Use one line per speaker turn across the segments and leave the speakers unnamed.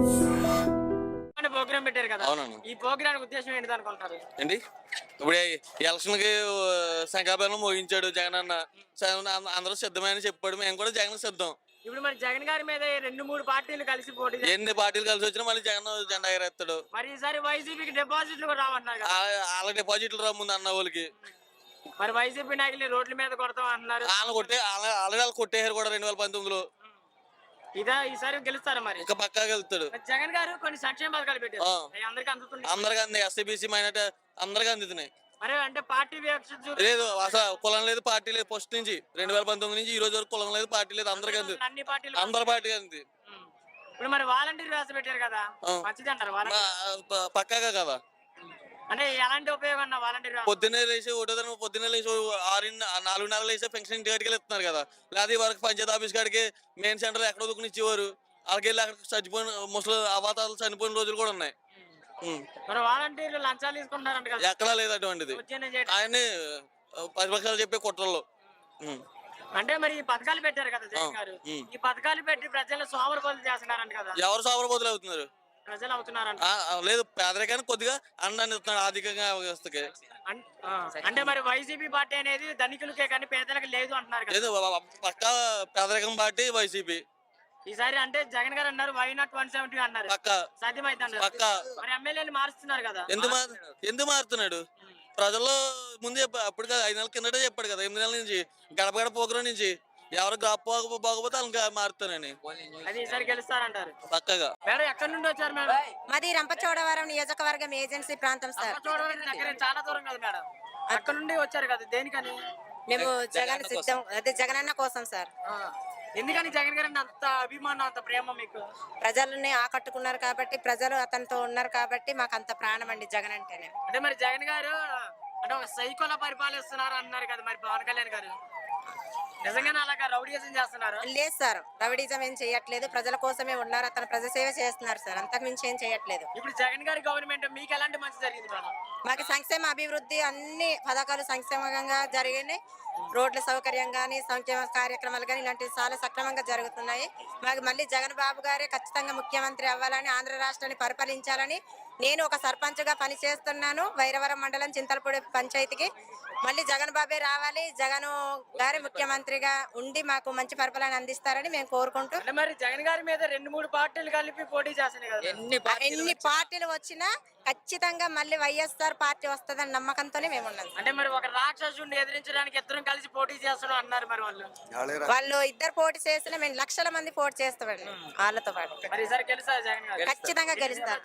Programme పెట్టారు కదా,
అవునండి.
ఈ ప్రోగ్రామ్ ఉద్దేశం ఏంటి అనుకుంటారు?
ఏంటి ఇప్పుడు ఎలక్షన్ కి శంఖాభరణం మోగించాడు జగన్ అన్న. అందరూ సిద్ధమని చెప్పాడు, మేము కూడా జగన్ సిద్ధం.
ఇప్పుడు మరి జగన్ గారి మీద 2-3 పార్టీలు కలిసి పోటీ
ఎన్ని పార్టీలు కలిసి వచ్చినా మళ్ళీ జగన్ జెండా ఎగరేస్తాడు.
మరి ఈసారి వైసీపీకి డిపాజిట్లు కూడా రావంటున్నారు కదా.
వాళ్ళ డిపాజిట్లు రా ముందు అన్న వాళ్ళకి.
మరి వైసీపీ నాయకులు రోడ్ల మీద కొడతాం అంటున్నారు.
ఆల్రెడీ కొట్టేశారు కూడా 2019లో.
ఈసారి గెలుస్తారు మరి
ఇంకా పక్కా గెలుస్తాడు.
జగన్ గారు కొన్ని సంక్షేమ పథకాలు పెట్టారు,
అందరికి అంది, ఎస్సీబీసీ మైనార్టీ అందరికి అందుతున్నాయి.
మరి అంటే పార్టీ
లేదు, అసలు కులం లేదు, పార్టీ లేదు. ఫస్ట్ నుంచి 2019 నుంచి ఈ రోజు వరకు కులం లేదు, పార్టీ లేదు, అందరికి అంది,
అన్ని పార్టీలు
అందరి పార్టీ అంది.
ఇప్పుడు మరి వాలంటీర్ వ్యవస్థ పెట్టారు కదా, మంచిది అంటారు?
పక్కాగా కదా.
అంటే ఎలాంటి ఉపయోగం అన్న వాలంటీర్?
పొద్దున్నే లేచి పొద్దున్నే లేచి 4:30 లేచి పెన్షన్ ఇంటి కాడికి ఇస్తున్నారు కదా. లేదా వరకు పంచాయతీ ఆఫీస్ కాడికి మెయిన్ సెంటర్ ఎక్కడ దొక్కుని ఇచ్చేవారు. వాళ్ళకి వెళ్ళి అక్కడ చచ్చిపోయిన ముసలి అవాతాలు చనిపోయిన రోజులు కూడా ఉన్నాయి.
వాలంటీర్లు లంచాలు తీసుకుంటున్నారంట కదా,
ఎక్కడా లేదు అటువంటిది. ఆయన్ని ప్రతిపక్షాలు చెప్పే కుట్రల్లో.
అంటే మరి ఈ పథకాలు పెట్టారు కదా జగన్ గారు, ఈ పథకాలు పెట్టి ప్రజలు సోమరపోతులు చేస్తున్నారంట కదా.
ఎవరు సోమరపోతులు అవుతున్నారు?
ప్రజలు అవుతున్నారంట.
లేదు, పేదరికానికి కొద్దిగా అండాన్ని ఇస్తున్నాడు ఆర్థికంగా వ్యవస్థకి.
అంటే మరి వైసీపీ పార్టీ అనేది ధనికులకే కానీ పేదలకు లేదు అంటున్నారు కదా.
లేదు, పక్కా పేదరికం పార్టీ వైసీపీ.
ఈసారి అంటే జగన్ గారు అన్నారు వై నాట్ 170 అన్నారు, సాధ్యమైతే
పక్కా.
మరి ఎమ్మెల్యేని మారుస్తున్నారు కదా,
ఎందుకు మారుతున్నాడు? ప్రజల్లో ముందు అప్పుడు 5 నెలల కిందటే చెప్పాడు కదా, 8 నెలల నుంచి గడప గడప ప్రోగ్రాం నుంచి ఎవరు బాగోపోతే వాళ్ళకి మారుతానని.
అది ఈసారి గెలుస్తారంటారు
పక్కగా.
మేడం ఎక్కడి నుండి వచ్చారు మేడం?
మాది రంపచోడవరం నియోజకవర్గం ఏజెన్సీ ప్రాంతం సార్.
చాలా దూరం కదా మేడం, అక్కడ నుండి వచ్చారు కదా, దేనికని?
మేము జగన్ సిద్ధం, అదే జగనన్న కోసం సార్.
ఎందుకని జగన్ గారు అంత అభిమానం, అంత ప్రేమ మీకు?
ప్రజల్ని ఆకట్టుకున్నారు కాబట్టి, ప్రజలు అతనితో ఉన్నారు కాబట్టి మాకు అంత ప్రాణం అండి జగన్ అంటేనే.
అంటే మరి జగన్ గారు అంటే ఒక సైకోలా పరిపాలిస్తున్నారు అన్నారు కదా, మరి పవన్ కళ్యాణ్ గారు నిజంగానే అలాగా రౌడీజం చేస్తున్నారు?
లేదు సార్, రౌడీజం ఏం చేయట్లేదు, ప్రజల కోసమే ఉన్నారు, అతను ప్రజాసేవ చేస్తున్నారు సార్, అంతకు మించి ఏం చేయట్లేదు.
ఇప్పుడు జగన్ గారి గవర్నమెంట్ మీకు ఎలాంటి మంచి జరిగింది మేడం?
మాకు సంక్షేమ అభివృద్ధి అన్ని పథకాలు సంక్షేమంగా జరిగినాయి, రోడ్ల సౌకర్యం కానీ సంక్షేమ కార్యక్రమాలు కానీ ఇలాంటివి చాలా సక్రమంగా జరుగుతున్నాయి. మాకు మళ్ళీ జగన్ బాబు గారే ఖచ్చితంగా ముఖ్యమంత్రి అవ్వాలని, ఆంధ్ర రాష్ట్రాన్ని పరిపాలించాలని నేను ఒక సర్పంచ్గా పనిచేస్తున్నాను. వైరవరం మండలం చింతలపూడి పంచాయతీకి మళ్ళీ జగన్ బాబే రావాలి, జగన్ గారి ముఖ్యమంత్రిగా ఉండి మాకు మంచి పరిపాలన అందిస్తారని మేము కోరుకుంటూ.
మరి జగన్ గారి మీద 2-3 పార్టీలు కలిపి పోటీ చేస్తున్నాయి కదా,
ఎన్ని పార్టీలు వచ్చినా ఖచ్చితంగా మళ్ళీ వైఎస్ఆర్ పార్టీ వస్తుందని నమ్మకంతోనే మేము ఉన్నాం.
అంటే మరి ఒక రాక్షసుడిని ఎదిరించడానికి ఇద్దరం కలిసి పోటీ చేస్తున్నాం అన్నారు, మరి
వాళ్ళు ఇద్దరు పోటీ చేసినా మేము లక్షల మంది పోటీ చేస్తామండి వాళ్ళతో పాటు. ఖచ్చితంగా గెలుస్తారు.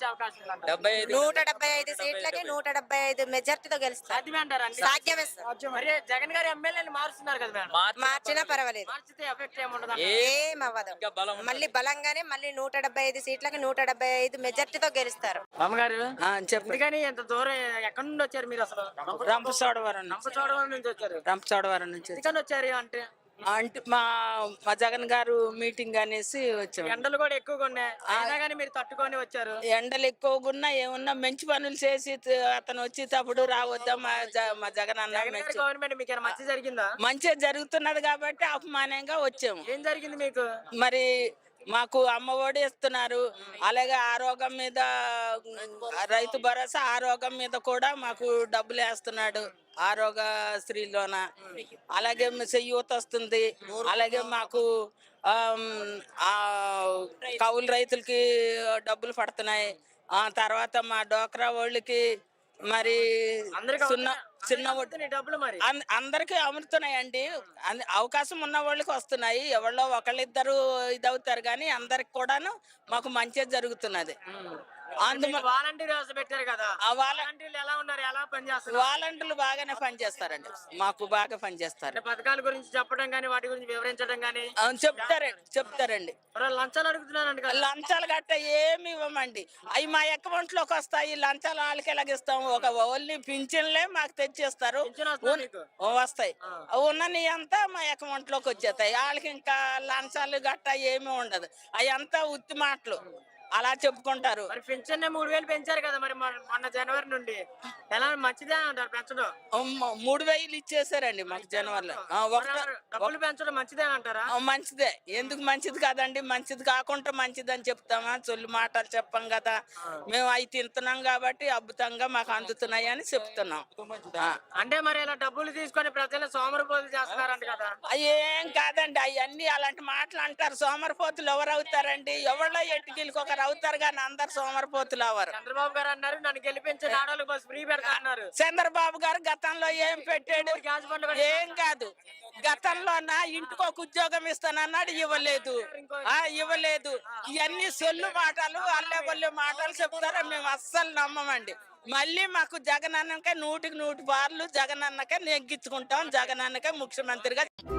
175 సీట్లకి 175 మెజార్టీతో గెలుస్తారు. సాధ్యమే సార్.
జగన్ గారి ఎమ్మెల్యేని మారుస్తున్నారు కదా,
మార్చినా పర్వాలేదు, ఏం అవ్వదు. మళ్ళీ బలంగానే మళ్ళీ 175 సీట్లకి 175 మెజార్టీతో గెలుస్తారు.
అమ్మగారు చెప్పండి, ఎంత దూరం ఎక్కడి నుండి వచ్చారు మీరు? అసలు రంపచోడవరం నుంచి వచ్చారు.
రంపచోడవరం నుంచి
వచ్చారు
అంటే మా జగన్ గారు మీటింగ్ అనేసి వచ్చాము.
ఎండలు కూడా ఎక్కువగా ఉన్నాయి, అయినా కానీ మీరు తట్టుకొని వచ్చారు.
ఎండలు ఎక్కువగా ఉన్నా ఏమున్నా మంచి పనులు చేసి అతను వచ్చేటప్పుడు రావద్దా మా జగన్ అన్న
గవర్నమెంట్ మీకు మంచి జరిగిందా?
మంచిగా జరుగుతున్నది కాబట్టి అపమానంగా వచ్చాము.
ఏం జరిగింది మీకు?
మరి మాకు అమ్మఒడి ఇస్తున్నారు, అలాగే ఆరోగ్యం మీద రైతు భరోసా ఆరోగ్యం మీద కూడా మాకు డబ్బులు వేస్తున్నాడు ఆరోగ్యశ్రీలోన. అలాగే చెయ్యూత వస్తుంది, అలాగే మాకు కౌలు రైతులకి డబ్బులు పడుతున్నాయి. తర్వాత మా డోక్రా వాళ్ళకి మరి చిన్న
డబ్బులు మరి
అందరికి అమ్ముతున్నాయండి. అవకాశం ఉన్న వాళ్ళకి వస్తున్నాయి, ఎవరో ఒకళ్ళిద్దరు ఇదవుతారు కానీ అందరికి కూడాను మాకు మంచిగా జరుగుతున్నది.
వాలంటీర్ వ్యవస్థ పెట్టారు కదా,
ఆ
వాలంటీర్లు ఎలా ఉన్నారు, ఎలా పనిచేస్తారు?
వాలంటీర్లు బాగానే పనిచేస్తారండి, మాకు బాగా పనిచేస్తారు.
పథకాల గురించి చెప్పడం గానీ వాటి గురించి వివరించడం గానీ
చెప్తారండి.
లంచాలు అడుగుతున్నారండి.
లంచాలు గట్ట ఏమి ఇవ్వమండి, అవి మా అకౌంట్ లోకి వస్తాయి. లంచాలు వాళ్ళకి ఎలాగిస్తాము? ఒక ఓన్లీ పింఛన్లే మాకు తెచ్చేస్తారు, వస్తాయి. ఉన్నని అంతా మా అకౌంట్ లోకి వచ్చేస్తాయి. వాళ్ళకి ఇంకా లంచాలు గట్ట ఏమి ఉండదు, అవి అంతా ఉత్తి మాటలు. అలా చెప్పుకుంటారు.
మరి పెన్షన్ 3000 పెంచారు కదా మరి మొన్న జనవరి నుండి ఎలా మంచిదే అంటారు పెంచడం?
3000 ఇచ్చేసారండి మాకు జనవరిలో.
డబ్బులు పెంచడం మంచిదే అంటారా?
మంచిదే. ఎందుకు మంచిది కాదండి? మంచిది కాకుండా మంచిది అని చెప్తామా? చొల్లు మాటలు చెప్పం కదా. మేము అవి తింటున్నాం కాబట్టి అద్భుతంగా మాకు అందుతున్నాయి అని చెప్తున్నాం.
అంటే మరి ఇలా డబ్బులు తీసుకొని ప్రజలు సోమరిపోతులు చేస్తున్నారంట కదా?
ఏం కాదండి, అవన్నీ అలాంటి మాటలు అంటారు. సోమరిపోతులు ఎవరు అవుతారండి? ఎవరో ఎట్టుకెళ్ళి ఒకరు అవుతారు కానీ అందరు సోమరిపోతులు అవరు.
చంద్రబాబు గారు అన్నారు నన్ను గెలిపించే ఆడవాళ్ళకి బస్ ఫ్రీ పెడతా అన్నారు.
చంద్రబాబు గారు గతంలో ఏం పెట్టాడు? ఏం కాదు. గతంలో నా ఇంటికి ఒక ఉద్యోగం ఇస్తానన్నాడు, ఇవ్వలేదు. ఇవ్వలేదు. ఇవన్నీ సొల్లు మాటలు, అల్లె బొల్లె మాటలు చెప్తారా? మేము అస్సలు నమ్మమండి. మళ్ళీ మాకు జగనన్నకే 100కి 100 పార్లు జగనన్నకే నెగ్గించుకుంటాం. జగనన్నకే ముఖ్యమంత్రిగా